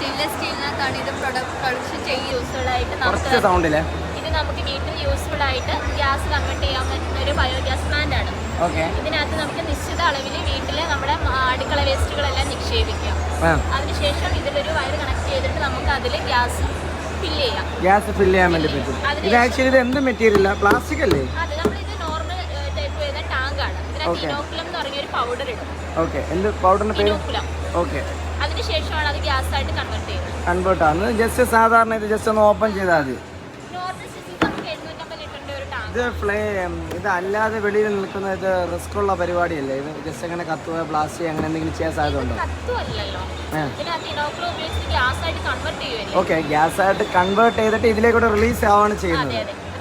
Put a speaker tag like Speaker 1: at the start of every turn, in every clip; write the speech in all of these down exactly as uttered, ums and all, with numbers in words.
Speaker 1: Stainless സ്റ്റീലിനകത്താണ് ഇത് product production ചെയ്യുക. Useful ആയിട്ട് നമുക്ക് ഇത് നമുക്ക് വീട്ടിൽ യൂസ്ഫുൾ ആയിട്ട് ഗ്യാസ് കൺവേർട്ട് ചെയ്യാൻ പറ്റുന്ന ഒരു ബയോഗ്യാസ് പ്ലാന്റ് ആണ്. ഇതിനകത്ത് നമുക്ക് നിശ്ചിത അളവിൽ വീട്ടിൽ നമ്മുടെ അടുക്കള വേസ്റ്റുകളെല്ലാം നിക്ഷേപിക്കാം. അതിനുശേഷം ഇതിലൊരു വയർ കണക്ട് ചെയ്തിട്ട് നമുക്ക് അതിൽ ഗ്യാസ് ഫില്ല് ചെയ്യാം.
Speaker 2: ഗ്യാസ് ഫില്ല് ചെയ്യാൻ വേണ്ടി പറ്റും. ഇത് ആക്ച്വലി ഇത് എന്ത് മെറ്റീരിയലാ? പ്ലാസ്റ്റിക് അല്ലേ?
Speaker 1: അതെ, നമ്മളിത് നോർമൽ ടൈപ്പ് വരുന്ന ടാങ്ക് ആണ്. ഇതിനകത്ത് ഇനോക്കുലം എന്ന് പറഞ്ഞ ഒരു പൗഡർ ഇടും.
Speaker 2: ഓക്കെ, എന്ത് പൗഡറിന്റെ പേര്?
Speaker 1: ഇനോക്കുലം.
Speaker 2: ഓക്കെ,
Speaker 1: അതിനുശേഷമാണ് അത് ഗ്യാസ് ആയിട്ട് കൺവേർട്ട് ചെയ്യുന്നത്.
Speaker 2: കൺവേർട്ട് ആണ്. ജസ്റ്റ് സാധാരണ ഇത് ജസ്റ്റ് ഒന്ന് ഓപ്പൺ ചെയ്താൽ മതി. ഇത് ഫ്ലെയിം ഇത് അല്ലാതെ വെളിയിൽ നിൽക്കുന്ന ഇത് റിസ്ക് ഉള്ള പരിപാടിയല്ലേ? ഇത് ജസ്റ്റ് അങ്ങനെ കത്തുക, പ്ലാസ്റ്റിക് അങ്ങനെ എന്തെങ്കിലും ചെയ്യാൻ സാധ്യതയുണ്ടോ? ഓക്കെ, ഗ്യാസ് ആയിട്ട് കൺവേർട്ട് ചെയ്തിട്ട് ഇതിലേക്കൂടെ റിലീസ് ആവാണ് ചെയ്യുന്നത്.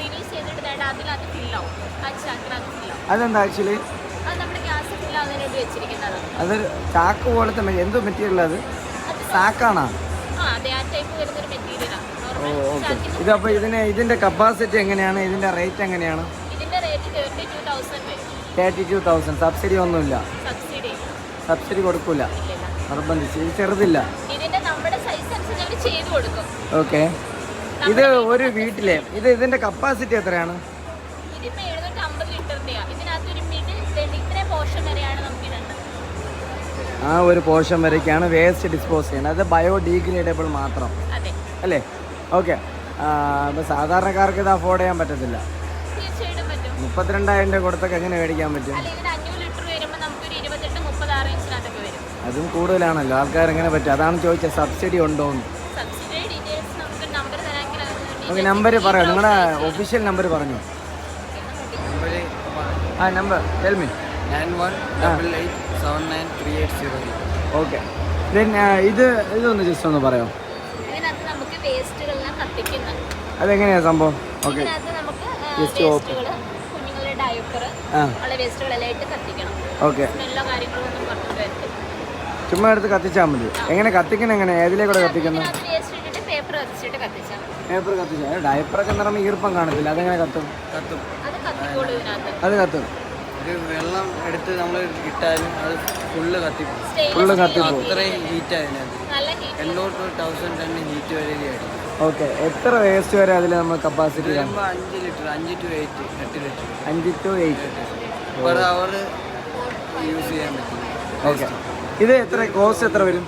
Speaker 2: അതെന്താ ആക്ച്വലി? അത് ചാക്ക് പോലത്തെ എന്തോ മെറ്റീരിയൽ? അത് സാക്കാണോ? ഓ ഓക്കെ. ഇതപ്പോൾ ഇതിന് ഇതിൻ്റെ കപ്പാസിറ്റി എങ്ങനെയാണ്? ഇതിൻ്റെ റേറ്റ് എങ്ങനെയാണ്? Thirty two thousand. സബ്സിഡി ഒന്നുമില്ല? സബ്സിഡി കൊടുക്കൂല, നിർബന്ധിച്ച്. ഇത് ചെറുതില്ല. ഓക്കെ, ഇത് ഒരു വീട്ടിലെ ഇത് ഇതിൻ്റെ കപ്പാസിറ്റി എത്രയാണ്? ആ ഒരു പോർഷൻ വരയ്ക്കാണ് വേസ്റ്റ് ഡിസ്പോസ് ചെയ്യുന്നത്. അത് ബയോഡീഗ്രേഡബിൾ മാത്രം അല്ലേ? ഓക്കെ, അപ്പോൾ സാധാരണക്കാർക്ക് ഇത് അഫോർഡ് ചെയ്യാൻ പറ്റത്തില്ല. മുപ്പത്തിരണ്ടായിരം രൂപ കൊടുത്തൊക്കെ എങ്ങനെ മേടിക്കാൻ പറ്റും? അതും കൂടുതലാണല്ലോ. ആൾക്കാർ എങ്ങനെ പറ്റും? അതാണ് ചോദിച്ചത്, സബ്സിഡി ഉണ്ടോ എന്ന്. ഓക്കെ, നമ്പർ പറയാം, നിങ്ങളുടെ ഒഫീഷ്യൽ നമ്പർ പറഞ്ഞു. ആ number tell me.
Speaker 3: Nine one double eight seven nine three eight zero.
Speaker 2: Okay, ഇത് ഇതൊന്ന് ജസ്റ്റ് ഒന്ന് പറയാം. അതെങ്ങനെയാ സംഭവം? ഓക്കെ, ഓക്കെ, ചുമ്മാ എടുത്ത് കത്തിച്ചാൽ മതി. എങ്ങനെ കത്തിക്കണം? എങ്ങനെ ഏതിലേക്കൂടെ കത്തിക്കുന്നത്? പേപ്പർ കത്തിച്ചാൽ ഡയപ്പറൊക്കെ നിറമ ഈർപ്പം കാണത്തില്ല, അതെങ്ങനെ കത്തും?
Speaker 3: കത്തും
Speaker 2: അത് കത്തും.
Speaker 3: ഒരു വെള്ളം എടുത്ത് നമ്മൾ ഇട്ടാലും അത് ഫുള്ള് കത്തി
Speaker 2: ഫുള്ള് കത്തിപ്പോ.
Speaker 3: അത്രയും ഹീറ്റ് അതിനകത്ത് എണ്ണൂറ് ടു തൗസൻഡ് ടൺ ഹീറ്റ് വരികയായിരിക്കും.
Speaker 2: ഓക്കെ, എത്ര വേസ്റ്റ് വരെ അതിൽ നമ്മൾ കപ്പാസിറ്റി?
Speaker 3: അഞ്ച് ലിറ്റർ അഞ്ച് ടു എയ്റ്റ് എട്ട് ലിറ്റർ
Speaker 2: അഞ്ച് to eight
Speaker 3: per hour use ചെയ്യാൻ പറ്റും.
Speaker 2: ഓക്കെ, ഇത് എത്ര കോസ്റ്റ് എത്ര വരും?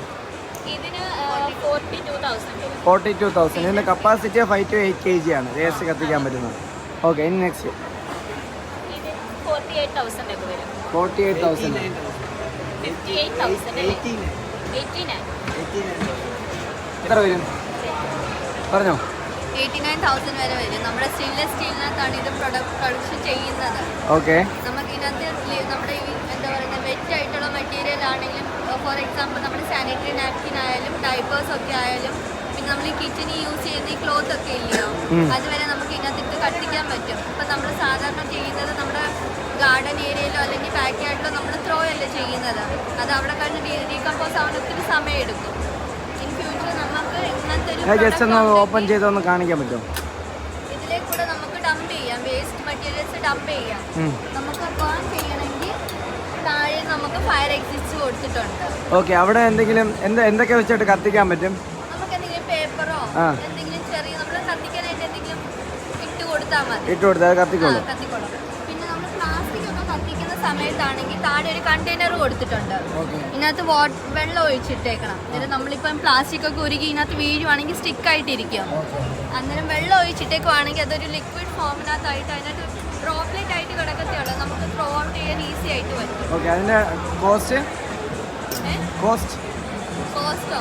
Speaker 2: Forty two thousand. ഇതിൻ്റെ capacity five to eight K G ആണ് വേസ്റ്റ് കത്തിക്കാൻ പറ്റുന്നത്. ഓക്കെ, ഇനി നെക്സ്റ്റ് ഫോർട്ടി എയ്റ്റ് തൗസൻഡ്. എത്ര വരും പറഞ്ഞോ?
Speaker 1: എയ്റ്റി നയൻ തൗസൻഡ് വരെ വരും. നമ്മുടെ സ്റ്റെയിൻലെസ് സ്റ്റീലിനകത്താണ് ഇത് പ്രൊഡക്റ്റ് പ്രൊഡക്ഷൻ ചെയ്യുന്നത്.
Speaker 2: ഓക്കെ,
Speaker 1: നമുക്ക് ഇതിനകത്ത് നമ്മുടെ ഈ എന്താ പറയുക വെറ്റ് ആയിട്ടുള്ള മെറ്റീരിയൽ ആണെങ്കിലും, ഫോർ എക്സാമ്പിൾ നമ്മുടെ സാനിറ്ററി നാപ്കിൻ ആയാലും ഡൈപ്പേഴ്സ് ഒക്കെ ആയാലും, പിന്നെ നമ്മൾ ഈ കിച്ചണിൽ യൂസ് ചെയ്യുന്ന ഈ ക്ലോത്ത് ഒക്കെ ഇല്ലയോ, അതുവരെ നമുക്ക് ഇതിനകത്തിട്ട് കത്തിക്കാൻ പറ്റും. ഇപ്പം നമ്മൾ സാധാരണ ചെയ്യുന്നത് നമ്മുടെ ഗാർഡൻ ഏരിയയിലോ അല്ലെങ്കിൽ ബാക്ക് യാർഡിലോ നമ്മൾ ത്രോ അല്ലേ ചെയ്യുന്നത്. അത് അവിടെ കഴിഞ്ഞ് ഡീകമ്പോസ് ആവാൻ ഒത്തിരി സമയം എടുക്കും. ഇൻ ഫ്യൂച്ചർ നമുക്ക് ഇങ്ങനത്തെ ഒരു
Speaker 2: ജസ്റ്റ് ഒന്ന് ഓപ്പൺ ചെയ്തൊന്ന് കാണിക്കാൻ പറ്റുമോ?
Speaker 1: ഇതിലേക്കൂടെ നമുക്ക് ഡംപ് ചെയ്യാം, വേസ്റ്റ് മെറ്റീരിയൽസ് ഡംപ് ചെയ്യാം. നമുക്ക് ബേൺ ചെയ്യണമെങ്കിൽ താഴെ നമുക്ക് ഫയർ എക്സിസ്റ്റ് കൊടുത്തിട്ടുണ്ട്.
Speaker 2: ഓക്കെ, അവിടെ എന്തെങ്കിലും എന്താ എന്തൊക്കെ വെച്ചിട്ട് കത്തിക്കാൻ പറ്റും?
Speaker 1: നമുക്ക് എന്തെങ്കിലും പേപ്പറോ എന്തെങ്കിലും ചെറിയ നമ്മൾ കത്തിക്കാനായിട്ട് എന്തെങ്കിലും ഇട്ട് കൊടുത്താൽ മതി.
Speaker 2: ഇട്ട് കൊടുത്താൽ കത്തിക്കോളും.
Speaker 1: കത്തിക്കോളും. പിന്നെ നമ്മൾ പ്ലാസ്റ്റിക് ഒക്കെ കത്തിക്കുന്ന സമയത്താണെങ്കിൽ താഴെ ഒരു കണ്ടെയ്നർ കൊടുത്തിട്ടുണ്ട്. ഇതിനകത്ത് വാട്ടർ വെള്ളം ഒഴിച്ചിട്ടേക്കണം. എന്നിട്ട് നമ്മളിപ്പം പ്ലാസ്റ്റിക് ഒക്കെ ഉരുകി ഇതിനകത്ത് വീഴുവാണെങ്കിൽ സ്റ്റിക്ക് ആയിട്ടിരിക്കും. അന്നേരം വെള്ളം ഒഴിച്ചിട്ടേക്കുവാണെങ്കിൽ അതൊരു ലിക്വിഡ് ഫോമിനകത്തായിട്ട് അതിനകത്ത് ഡ്രോപ്ലെറ്റ് ആയിട്ട് കിടക്കത്തുള്ളൂ. നമുക്ക് ത്രോ ഔട്ട് ചെയ്യാൻ ഈസി ആയിട്ട് പറ്റും.
Speaker 2: ഓക്കെ, അതിന്റെ കോസ്റ്റ് കോസ്റ്റ്
Speaker 1: കോസ്റ്റോ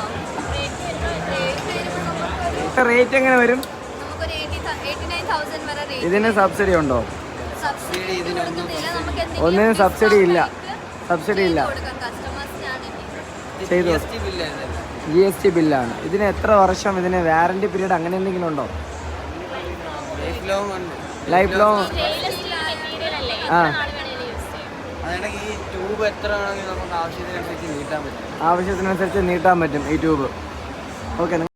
Speaker 2: റേറ്റ് എങ്ങനെ വരും?
Speaker 1: നമുക്കൊരു എയ്റ്റി നയൻ തൗസൻഡ് വരെ റേറ്റ്.
Speaker 2: ഇതിന് സബ്സിഡി ഉണ്ടോ?
Speaker 1: സബ്സിഡി കൊടുക്കുന്നില്ല. നമുക്ക്
Speaker 2: ഒന്നിനും സബ്സിഡി ഇല്ല. സബ്സിഡി ഇല്ല. ചെയ്തു. ജി എസ് ടി ബില്ലാണ്. ഇതിന് എത്ര വർഷം, ഇതിന് വാറന്റി പീരീഡ് അങ്ങനെ എന്തെങ്കിലും ഉണ്ടോ? Life long. ആ, ആവശ്യത്തിനനുസരിച്ച് നീട്ടാൻ പറ്റും ഈ ട്യൂബ്. ഓക്കെ.